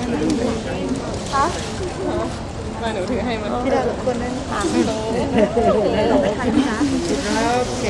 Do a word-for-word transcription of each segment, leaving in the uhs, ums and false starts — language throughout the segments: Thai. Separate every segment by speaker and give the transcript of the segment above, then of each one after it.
Speaker 1: คะ
Speaker 2: มาหนูถือให้มัน
Speaker 1: พี่ดาวรบกวนนั่นค่ะเราไปถ่ายไหมคะโอเค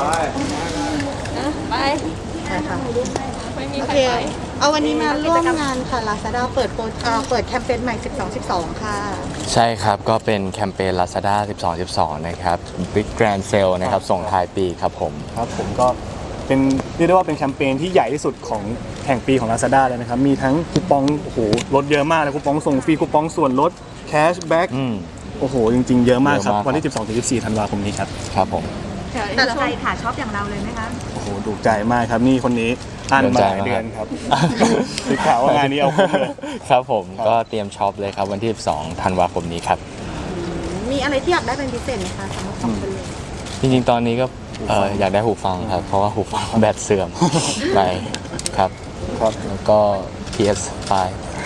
Speaker 2: ไป
Speaker 1: ค่ะ
Speaker 2: ไม่มี
Speaker 1: โอ
Speaker 2: ใคร
Speaker 1: เค
Speaker 2: ไป
Speaker 1: เอาวันนี้มาร่วมงานค่ะ Lazada เปิดโปรเปิดแคมเปญใหม่สิบสอง สิบสองค่ะ
Speaker 3: ใช่ครับก็เป็นแคมเปญ Lazada สิบสอง สิบสอง นะครับ Big Grand Sale นะครับส่งท้ายปีครับผม
Speaker 4: ครับผมก็เป็นเรียกได้ว่าเป็นแคมเปญที่ใหญ่ที่สุดของแห่งปีของ Lazada เลยนะครับมีทั้งคูปองโอ้โหลดเยอะมากเลยคูปองส่งฟรีคูปองส่วนลดแคชแบ็กโอ้โหจริงๆเยอะมากครับวันที่ สิบสองถึงสิบสี่ ธันวาคมนี้ครับ
Speaker 3: ครับผม
Speaker 1: แต่ใจขาชอบอย่างเราเลยไหมคะ
Speaker 4: โอ้โหถูกใจมากครับนี่คนนี้อ่านมาหลายเดือนครับคือข่าวว่างานนี้เอาคุ้มเลย
Speaker 3: ครับผมก็เตรียมช็อปเลยครับวันที่ สิบสอง ธันวาคมนี้ครับ
Speaker 1: มีอะไรที่อยากได้เป็นพิเศษไหมคะสำหรับสองคนเลย
Speaker 3: จริงๆตอนนี้ก็อยากได้หูฟังครับเพราะว่าหูฟังแบตเสื่อมไปครับ
Speaker 4: ครับ
Speaker 3: แล้วก็ พี เอส ไฟว์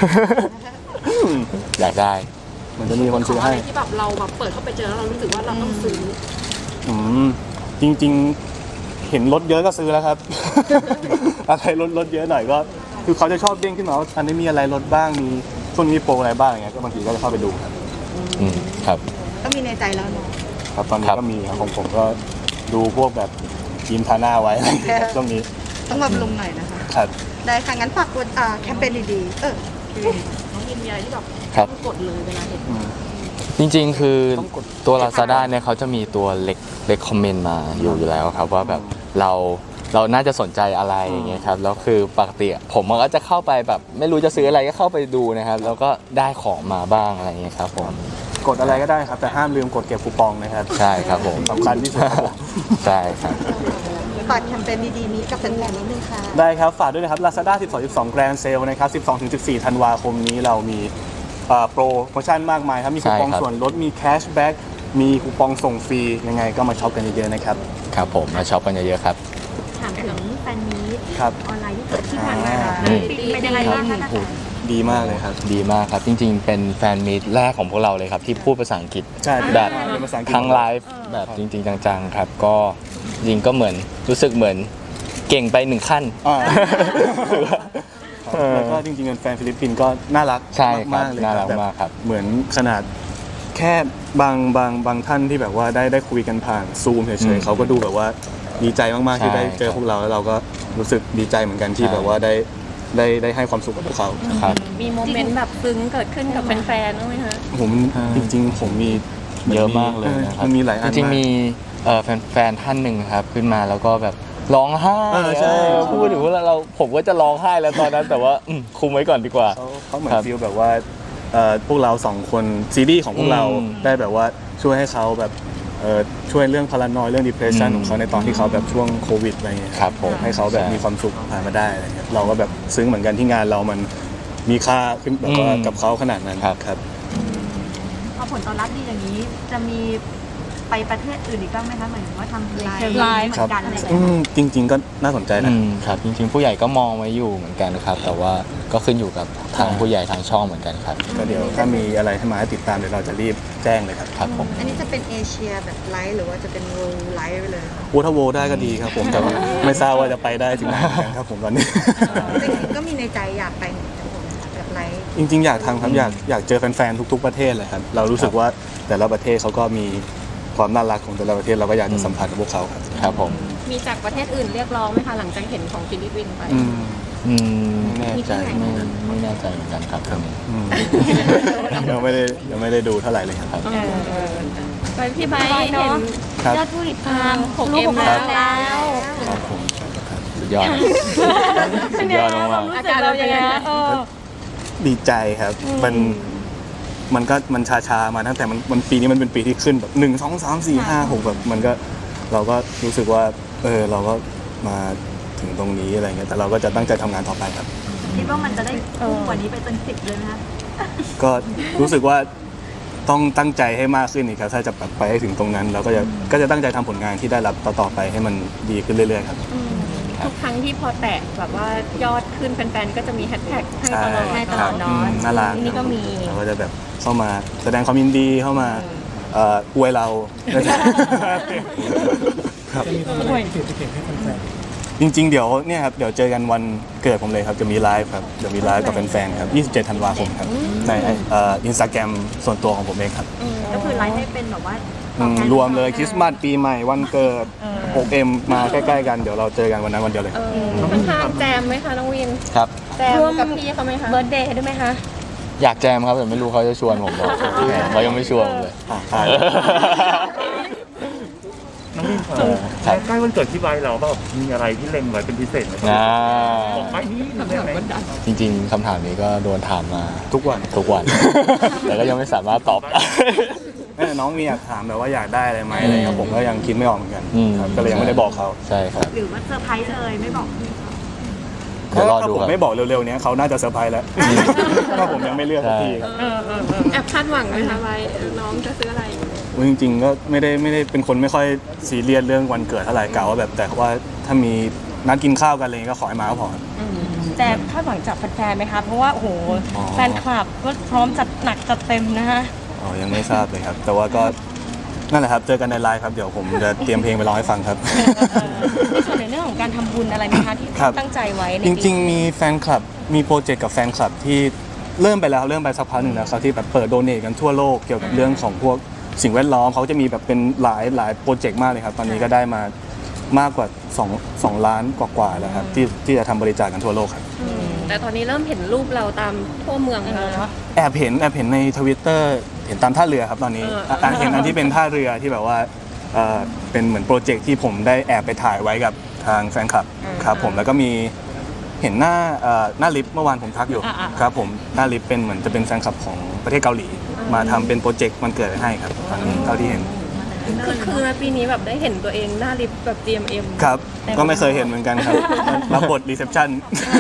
Speaker 3: อยากได้
Speaker 4: มันจะมีคนซื้อให้
Speaker 2: ที่แบบเราแบบเปิดเข้าไปเจอแล้วเรารู้สึกว่าเราต้องซื้อ
Speaker 4: อืมจริงๆเห็นรถเยอะก็ซื้อแล้วครับอะไรรถรถเยอะหน่อยก็คือเขาจะชอบเด้งขึ้นมาว่าอันนี้มีอะไรรถบ้างมีช่วงนี้โปรอะไรบ้างอย่างเงี้ยก็บางทีก็จะเข้าไปดูครับ
Speaker 3: อืมครับ
Speaker 1: ก็มีในใจแล้วเนาะ
Speaker 4: ครับตอนนี้ก็มีครับของผมก็ดูพวกแบบยิมทาหน้าไว้ช่วงนี้
Speaker 1: ต้องมาลงหน่อยนะคะ
Speaker 4: ครับ
Speaker 1: ได้ค่ะงั้นฝากกดแคมเปญดีๆเออ
Speaker 2: น้องยินมีอะไรที่แบบกดเลยเวลาเห็น
Speaker 3: จริงๆคือตัว Lazada เนี่ยเขาจะมีตัวเล็กเล็กคอมเมนต์มาอยู่อยู่แล้วครับว่าแบบเราเราน่าจะสนใจอะไรอย่างเงี้ยครับแล้วคือปกติผมก็จะเข้าไปแบบไม่รู้จะซื้ออะไรก็เข้าไปดูนะครับแล้วก็ได้ของมาบ้างอะไรเงี้ยครับผม
Speaker 4: กดอะไรก็ได้ครับแต่ห้ามลืมกดเก็บคูปองนะครับ
Speaker 3: ใช่ครับผม
Speaker 4: สำคัญที่สุดครับผม
Speaker 3: ใช่ครับ
Speaker 1: ฝากแคมเปญดีๆนี้กับแฟนๆนิดนึงค่ะ
Speaker 4: ได้ครับฝากด้วยนะครับ Lazada สิบสอง สิบสอง Grand Sale นะครับ สิบสองถึงสิบสี่ ธันวาคมนี้เรามีโปรโมชั่นมากมายครับมีคูปองส่วนลดมีแคชแบ็กมีคูปองส่งฟรียังไงก็มาช็อปกันเยอะๆนะครับ
Speaker 3: ครับผมมาช็อปกันเยอะๆครับ
Speaker 1: ถามถึงแฟนมีตออนไลน์ที่เกิดขึ้นมาเป็นยังไงบ้างคะ
Speaker 4: ดีมากเลยครับ
Speaker 3: ดีมากครับจริงๆเป็นแฟนมีตแรกของพวกเราเลยครับที่พูดภาษาอังกฤษแบบทั้งไลฟ์แบบจริงๆจังๆครับก็จริงก็เหมือนรู้สึกเหมือนเก่งไปหนึ่งขั้น
Speaker 4: แล้วก็จริงๆแฟนฟิลิปปินส์ก็น่ารักมากเลย
Speaker 3: น่ารักมากครับ
Speaker 4: เหมือนขนาดแค่บางบางบางท่านที่แบบว่าได้ได้คุยกันผ่านซูมเฉยๆเขาก็ดูแบบว่าดีใจมากๆที่ได้เจอพวกเราแล้วเราก็รู้สึกดีใจเหมือนกันที่แบบว่าได้ได้ได้ให้ความสุขกับพวกเขา
Speaker 3: ครับ
Speaker 2: มีโมเมนต์แบบซึ้งเกิดขึ้นกับแฟนๆบ้างไหมคะ
Speaker 4: ผมจริงๆผมมี
Speaker 3: เยอะมากเลยนะครับ
Speaker 4: มันมีหลายอัน
Speaker 3: จริงๆมีแฟนๆท่านหนึ่งครับขึ้นมาแล้วก็แบบร้องไห้พูดถึงว่าเราผมก็จะร้องไห้แล้วตอนนั้นแต่ว่าคุมไว้ก่อนดีกว่า
Speaker 4: เขาเขาเหมือนฟีลแบบว่าพวกเราสองคนซีรีส์ของพวกเราได้แบบว่าช่วยให้เขาแบบช่วยเรื่องพารานอยเรื่อง depression ของเขาในตอนที่เขาแบบช่วงโควิดอะไรเงี้ย
Speaker 3: ครับผม
Speaker 4: ให้เขาแบบมีความสุขผ่านมาได้อะไรเงี้ยเราก็แบบซึ้งเหมือนกันที่งานเรามันมีค่าขึ้นแบบว่ากับเขาขนาดนั้นครับ
Speaker 1: พอผลตอบรับดีอย่างนี้จะมีไปประเทศอื่นอีกบ้างไหมคะหมายถึงว่าทำไลฟ์เหมือนกันอะไรอย่างเงี้ย
Speaker 4: จริงๆก็น่าสนใจ
Speaker 3: นะครับจริงๆผู้ใหญ่ก็มองไว้อยู่เหมือนกันครับแต่ว่าก็ขึ้นอยู่กับทางผู้ใหญ่ทางช่องเหมือนกันครับ
Speaker 4: ก็เดี๋ยวถ้ามีอะไรให้มาให้ติดตามเดี๋ยวเราจะรีบแจ้งเลยครับ
Speaker 3: ครับผม
Speaker 1: อันนี้จะเป็นเอเชียแบบไลฟ์หรือว่าจะเป็นโวลไลฟ์ไปเลย
Speaker 4: วูทาโวได้ก็ดีครับผมแต่ไม่ทราบว่าจะไปได้ถึงไหนครับผมตอนนี้
Speaker 1: ก็มีในใจอยากไปแบบไลฟ์
Speaker 4: จริงๆอยากทำครับอยากอยากเจอแฟนๆทุกๆประเทศเลยครับเรารู้สึกว่าแต่ละประเทศเขาก็มีความน่ารักของแต่ละประเทศเราก็อยากจะสัมผัสกับพวกเขาครับ
Speaker 3: ครับผม
Speaker 2: มีจากประเทศอื่นเรียกร้องไหมคะหลังจากเห็นของฟิลิปปินส์ไป
Speaker 3: อืมไม่แน่ใจไม่ไม่แน่ใจเหมือนกันครับ
Speaker 4: ยังไม่ได้ยังไม่ได้ดูเท่าไหร่เลยครับ
Speaker 2: ไปพี่ไบค์เห็น
Speaker 1: ยอดผู้ติดตาม
Speaker 2: หกเอ็มแล้ว
Speaker 4: ครับผม
Speaker 3: สุดยอดสุดยอดมาก
Speaker 2: อาการเราอย่างไง
Speaker 4: ดีใจครับมันมันก็มันชาชามาตั้งแต่มันมันปีนี้มันเป็นปีที่ขึ้นแบบหนึ่งสองสามสี่ห้าหกแบบมันก็เราก็รู้สึกว่าเออเราก็มาถึงตรงนี้อะไรเงี้ยแต่เราก็จะตั้งใจทำงานต่อไปครับ
Speaker 1: คิดว่ามันจะได้พุ่งกว่านี้ไปจนสิบเลยไหมคะ
Speaker 4: ก็รู้สึกว่าต้องตั้งใจให้มากขึ้นอีกครับถ้าจะไปให้ถึงตรงนั้นเราก็จะก็จะตั้งใจทำผลงานที่ได้รับต่อๆไปให้มันดีขึ้นเรื่อยๆครับ
Speaker 2: ทุกครั้งที่พอแตะแบบว่ายอดขึ้นแฟนๆก็จะมีแฮชแท็กให้ตลอดให้ตลอดเนาะ
Speaker 4: น่ารัก
Speaker 2: นี่ก็มี
Speaker 4: เราก็จะแบบเข้ามาแสดงความยินดีเข้ามาอวยเรา
Speaker 5: จะมีอะไรติดติดให้แฟนๆ
Speaker 4: จริงๆเดี๋ยวเนี่ยครับเดี๋ยวเจอกันวันเกิดผมเลยครับจะมีไลฟ์ครับเดี๋ยวมีไลฟ์กับแฟนๆครับยี่สิบเจ็ดธันวาคมครับในเอ่ออินสตาแกรมส่วนตัวของผมเองครับ
Speaker 1: ก็คือไลฟ์ให้เป็นแบบว่า
Speaker 4: อืมรวมเลยคริสต์มาสปีใหม่วันเกิด หกเอ็ม มาใกล้ๆกันเดี๋ยวเราเจอกันวันนั้นวันเดียวเลย
Speaker 2: เออค่อนข้างแจมไหมคะน้องวิน
Speaker 3: ครับ
Speaker 2: แจมกับพี่เขาไหมคะ
Speaker 5: เบิร์ธเดย์ด้วยไหมคะ
Speaker 3: อยากแจมครับแต่ไม่รู้เขาจะชวนผมหรอแหมเขายังไม่ชวนผมเลย
Speaker 4: อ่ะใช่
Speaker 6: น้องวินค
Speaker 3: เอ
Speaker 6: รั
Speaker 3: อบ ครับ
Speaker 6: ใกล้วันเกิดพี่ไบร์ทเราแบบมีอะไรที่เล็งไว้เป็นพิเศษไหมครับ
Speaker 3: อ่า
Speaker 6: บอกไปนี่ได้ไหม
Speaker 3: จริงๆคำถามนี้ก็โดนถามมา
Speaker 4: ทุกวัน
Speaker 3: ทุกวัน แต่ก็ยังไม่สามารถตอบ
Speaker 4: แม่น้องมีอยากถามแบบว่าอยากได้อะไรไหมอะไรครับผมก็ยังคิดไม่ออกเหมือนกัน
Speaker 3: อืม
Speaker 4: ครับก็เลยยังไม่ได้บอกเขา
Speaker 3: ใช่ครับ
Speaker 1: หรือว่าเซอร์ไพรส์เลยไม่บอกพี่
Speaker 3: เดี๋ยวรอ
Speaker 4: ถ้า
Speaker 3: ดู
Speaker 4: ผม
Speaker 3: ครับ
Speaker 4: ไม่บอกเร็วๆเนี้ยเขาน่าจะเซอร์ไพรส์แล้วถ้าผมยังไม่เลือกสักทีครับ
Speaker 2: แอบคาดหวังไหมคะไว้น้องจะซื้ออะไร
Speaker 4: อุ๊ยจริงๆก็ไม่ได้ไม่ได้เป็นคนไม่ค่อยซีเรียสเรื่องวันเกิดเท่าไหร่กล่าวว่าแบบแต่ว่าถ้ามีนัดกินข้าวกันอะไรเงี้ยก็ขอให้มาก็พอ
Speaker 5: แต่คาดหวังจากแฟนๆไหมคะเพราะว่าโอ้โห
Speaker 4: อ๋อ
Speaker 5: แฟนคลับก็พร้อมจัดหนักจัดเต็มนะคะ
Speaker 4: อ๋อยังไม่ทราบเลยครับ แต่ว่าก็นั่นแหละครับเจอกันในไลฟ์ครับเดี๋ยวผมจะเตรียมเพลงไปร้องให้ฟังครับ
Speaker 5: ในส่วนในเรื่องของการทำบุญอะไรไหมคะที่
Speaker 4: ครับ
Speaker 5: ตั้งใจไว้ใน
Speaker 4: จ
Speaker 5: ปี
Speaker 4: ริงๆ มีแฟนคลับ มีโปรเจกต์กับแฟนคลับที่เริ่มไปแล้วเริ่มไปสักพักหนึ่งแล้วครับที่แบบเปิดโดเนทกันทั่วโลกเกี่ยวกับเรื่องของพวกสิ่งแวดล้อมเขาจะมีแบบเป็นหลายหลายโปรเจกต์มากเลยครับตอนนี้ก็ได้มามากกว่า2 2ล้านกว่าๆแล้วครับที่ที่จะทำบริจาคกันทั่วโลกครับ
Speaker 2: แต่ตอนนี้เริ่มเห็นรูปเราตามทั่วเมืองแล้วเนาะ
Speaker 4: แอบเห็นแอบเห็นในทวิตเตอร์เห็นตามท่าเรือครับตอนนี้
Speaker 2: เออเออ
Speaker 4: อ่ะเห็นอันที่เป็นท่าเรือที่แบบว่าเอ่อเป็นเหมือนโปรเจกต์ที่ผมได้แอบไปถ่ายไว้กับทางแฟนคลับครับผมแล้วก็มีเห็นหน้าเอ่อหน้าลิฟต์เมื่อวานผมทักอยู่ครับผมหน้าลิฟต์เป็นเหมือนจะเป็นแฟนคลับของประเทศเกาหลี มาทำเป็นโปรเจกต์มันเกิดให้ครับตอนนี้เท่าที่เห็น
Speaker 2: คือคือปีนี้แบบได้เห็นตัวเองหน้าลิฟต์แบบ จี เอ็ม เอ็ม
Speaker 4: ครับก็ไม่เคยเห็นเหมือนกันครับรับบทรีเซพชัน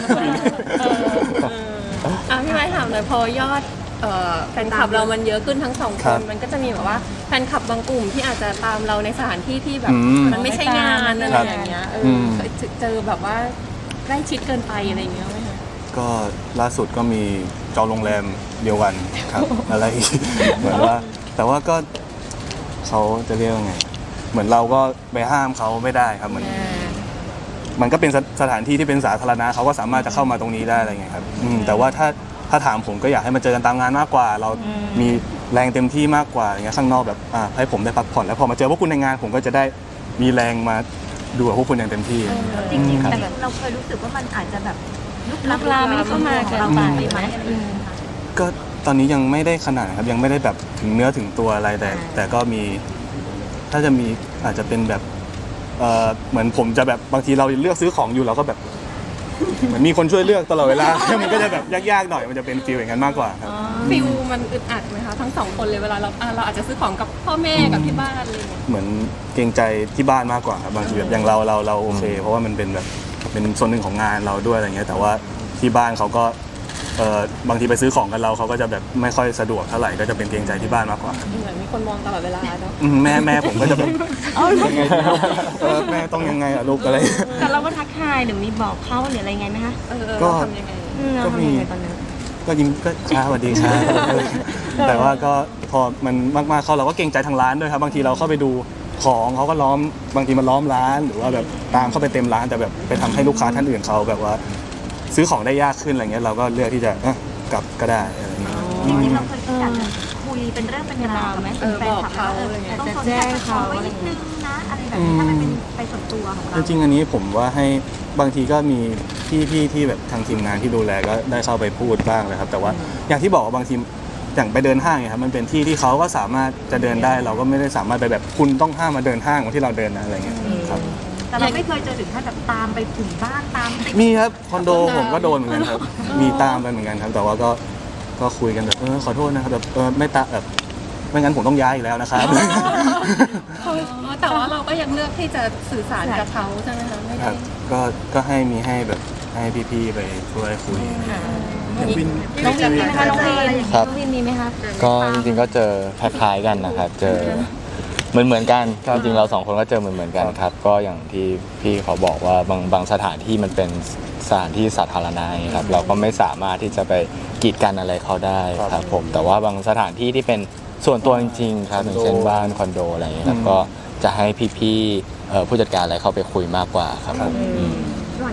Speaker 2: อ่ะพี่ไม้ถามหน่อยพอยอดเอ่อแฟนคลับเรามันเยอะขึ้นทั้งสอง
Speaker 4: ค
Speaker 2: ค
Speaker 4: รั
Speaker 2: น
Speaker 4: บ
Speaker 2: มันก็จะมีแบบว่าแฟนคลับบางกลุ่มที่อาจจะตามเราในสถานที่ที่แบบ
Speaker 4: อืม
Speaker 2: มันไม่ใช่งานอะไร
Speaker 4: ครับ
Speaker 2: อย่างเงี้ยเอ
Speaker 4: อื
Speaker 2: อ
Speaker 4: ม
Speaker 2: เคยเจอแบบว่าใกล้ชิดเกินไปอะไรอย่างเงี้ยไหมคะ
Speaker 4: ก็ล่าสุดก็มีจองโรงแรมเดียวกันครับ อะไรอีก เหมือนว่า แต่ว่าก็เขาจะเรียกว่าไง เหมือนเราก็ไปห้ามเขาไม่ได้ครับเหมือนมันก็เป็นสสถานที่ที่เป็นสาธารณะเขาก็สามารถจะเข้ามาตรงนี้ได้อะไรเงี้ยครับอืมแต่ว่าถ้าถ้าถามผมก็อยากให้มาเจอกันตามงานมากกว่า เรามีแรงเต็มที่มากกว่าอย่างเงี้ยข้างนอกแบบอ่าให้ผมได้พักผ่อนแล้วพอมาเจอพวกคุณในงาน ผมก็จะได้มีแรงมาดูกับพวกคุณอย่างเต็มที่
Speaker 1: จริงๆ
Speaker 4: ครับ
Speaker 1: แต่เราเคยรู้สึกว่ามันอาจจะแบบลุก
Speaker 5: ลุกลามไม่เข้ามาเกินไป
Speaker 1: ไหม
Speaker 5: อืม
Speaker 4: ก็ตอนนี้ยังไม่ได้ขนาดนะครับยังไม่ได้แบบถึงเนื้อถึงตัวอะไรแต่ แต่ก็มีถ้าจะมีอาจจะเป็นแบบเอ่อเหมือนผมจะแบบบางทีเราเลือกซื้อของอยู่เราก็แบบ เหมือนมีคนช่วยเลือกตลอดเวลา มันก็จะแบบยากๆหน่อยมันจะเป็นฟีลอย่างนั้นมากกว่าครับ
Speaker 2: ฟิลมันอึดอัดไหมคะทั้งสองคนเลยเวลาเราอ่ะเราอาจจะซื้อของกับพ่อแม่กับที่บ้านอะไรอย่างเงี้ย
Speaker 4: เหมือนเกรงใจที่บ้านมากกว่าครับบางทีแบบอย่างเราเราเราโอเค เพราะว่ามันเป็นแบบเป็นส่วนหนึ่งของงานเราด้วยอะไรเงี้ยแต่ว่าที่บ้านเขาก็เอ่อบางทีไปซื้อของกันเราเขาก็จะแบบไม่ค่อยสะดวกเท่าไหร่ก็จะเป็นเกรงใจที่บ้านมากกว่า
Speaker 2: เหมือนมีคนมองตลอดเวลาเนาะ
Speaker 4: อืมแม่แม่ผมก็จะแบบยังไงเออแม่ต้องยังไงอะลูกอะไร
Speaker 5: แต่เราก็ทักทายหรือมีบอกเขาหรืออะไรไงไหมคะ
Speaker 2: เออเออ
Speaker 4: ก็
Speaker 2: เราทำยังไง
Speaker 5: อืมเรา
Speaker 4: ก็มี
Speaker 5: ทำยังไงตอนนั้น
Speaker 4: ก็ยิ้มก็ช้าสวัสดีช้าแต่ว่าก็พอมันมากๆเข้าเราก็เกรงใจทางร้านด้วยครับบางทีเราเข้าไปดูของเขาก็ล้อมบางทีมันล้อมร้าน หรือว่าแบบตามเข้าไปเต็มร้านแต่แบบไปทำให้ลูกค้าท่านอื่นเขาแบบว่า ซื้อของได้ยากขึ้นอะไรเงี้ยเราก็เลือกที่จะเอ้อกลับก็ได้อะไรเงี้ย
Speaker 1: จริงๆเราเคยคิดอยากจะคุยเป็นเรื่องเป็นราวกับ
Speaker 2: เออ
Speaker 1: แฟน
Speaker 2: บอก
Speaker 1: คลับ
Speaker 2: เขา
Speaker 1: ว่าเออ
Speaker 2: อะไรเงี้ย
Speaker 1: ต้องสนใจเขาไว้นิดนึงนะอะไรแบบนี้ถ้ามันเป็นไปส่วนตัวของเรา
Speaker 4: จริงๆอันนี้ผมว่าให้บางทีก็มีพี่พี่ที่แบบทางทีมงานที่ดูแลก็ได้เข้าไปพูดบ้างเลยครับแต่ว่าอย่างที่บอกว่าบางทีอย่างไปเดินห้างเนี่ยครับมันเป็นที่ที่เขาก็สามารถจะเดินได้ เราก็ไม่ได้สามารถไปแบบคุณต้องห้ามมาเดินห้างเหมือนที่เราเดินนะอะไรเงี้ยครับ
Speaker 1: แต่เราไม่เคยเจอถึงขั้นแบบตามไปถึงบ้านตามติด
Speaker 4: มีครับคอนโดผมก็โดนเหมือนกันครับ มีตามไปเหมือนกันครับ แต่ว่าก็ก็คุยกันแบบเออขอโทษนะครับแบบเออไม่ตาแบบไม่งั้นผมต้องย้ายอีกแล้วนะครับ
Speaker 2: แต่ว่าเราก็ยังเลือกที่จะสื่อสารกับเขาใช่ไหมคะไม่
Speaker 4: ค
Speaker 2: ได้
Speaker 4: รับก็ก็ให้มีให้แบบให้พี่ๆไปช่วยคุย
Speaker 5: น้องวินมีไหมคะน้องวิน
Speaker 3: ครับ
Speaker 5: น้องวินมีไหมคะ
Speaker 3: ก็จริงๆก็เจอคล้ายๆกันนะครับ เจอเหมือนเหมือนๆกันจริงๆเราสองคนก็เจอเหมือนเหมือนๆกันครับ ก็อย่างที่พี่เขาบอกว่าบางบางสถานที่มันเป็นสถานที่สาธารณะครับ เราก็ไม่สามารถที่จะไปกีดกันอะไรเขาได้ครับผมแต่ว่าบางสถานที่ที่เป็นส่วนตัวจริงๆครับอย่างเช่นบ้านคอนโดอะไรอย่างเงี้ยครับก็จะให้พี่ๆเอ่อผู้จัดการอะไรเข้าไปคุยมากกว่าครับผมอืม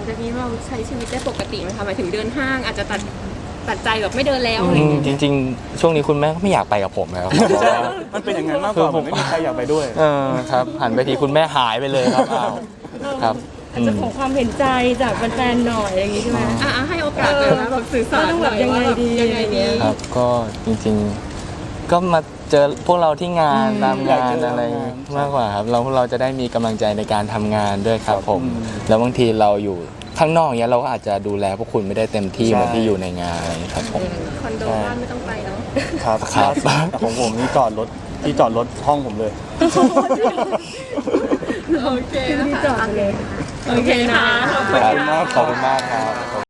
Speaker 2: งจากนี้เราใช้ชีวิตได้ปกติไหมคะหมายถึงเดินห้างอาจจะตัดตัดใจแบบไม่เดินแล้วอะไร
Speaker 3: อื
Speaker 2: อย่าง
Speaker 3: ม
Speaker 2: เงี้ย
Speaker 3: จริง ๆ ช่วงนี้คุณแม่ก็ไม่อยากไปกับผมแล้วครับเพราะว่า
Speaker 4: มันเป็นอย่างนั้นมากกว่าผมไม่มีใครอยากไปด้วย
Speaker 3: เออครับหันไปทีคุณแม่หายไปเลยครับอ้าวครับ
Speaker 5: อาจจะขอความเห็นใจจากแฟนๆหน่อยอะไรอย่างงี้ใช่ไหม
Speaker 2: อ่ะให้โอกาสเลยนะแบบสื่อสาร
Speaker 5: ต้องแบบยังไงดี
Speaker 2: ยังไงดี
Speaker 3: ครับก็จริงๆก็มาเจอพวกเราที่งานตาม
Speaker 4: อยาก
Speaker 3: งา
Speaker 4: เจ
Speaker 3: น
Speaker 4: อ
Speaker 3: อะไร
Speaker 4: ตามงาน
Speaker 3: มากกว่าครับเราพวกเราจะได้มีกำลังใจในการทำงานด้วยครับผม
Speaker 4: อืม
Speaker 3: แล้วบางทีเราอยู่ข้างนอกเนี้ยเราก็อาจจะดูแลพวกคุณไม่ได้เต็มที่
Speaker 4: ใช่
Speaker 3: เหมือนที่อยู่ในงานครับผม
Speaker 2: คอนโดบ้านไม่ต้องไปเนาะ
Speaker 4: ครับ
Speaker 3: ครับ
Speaker 4: แต่ของผมนี่จอดรถที่จอดรถห้องผมเลย
Speaker 2: โอเค
Speaker 5: ที่จอดเลย
Speaker 2: โอเคนะ
Speaker 3: ครับขอบคุณมากครับ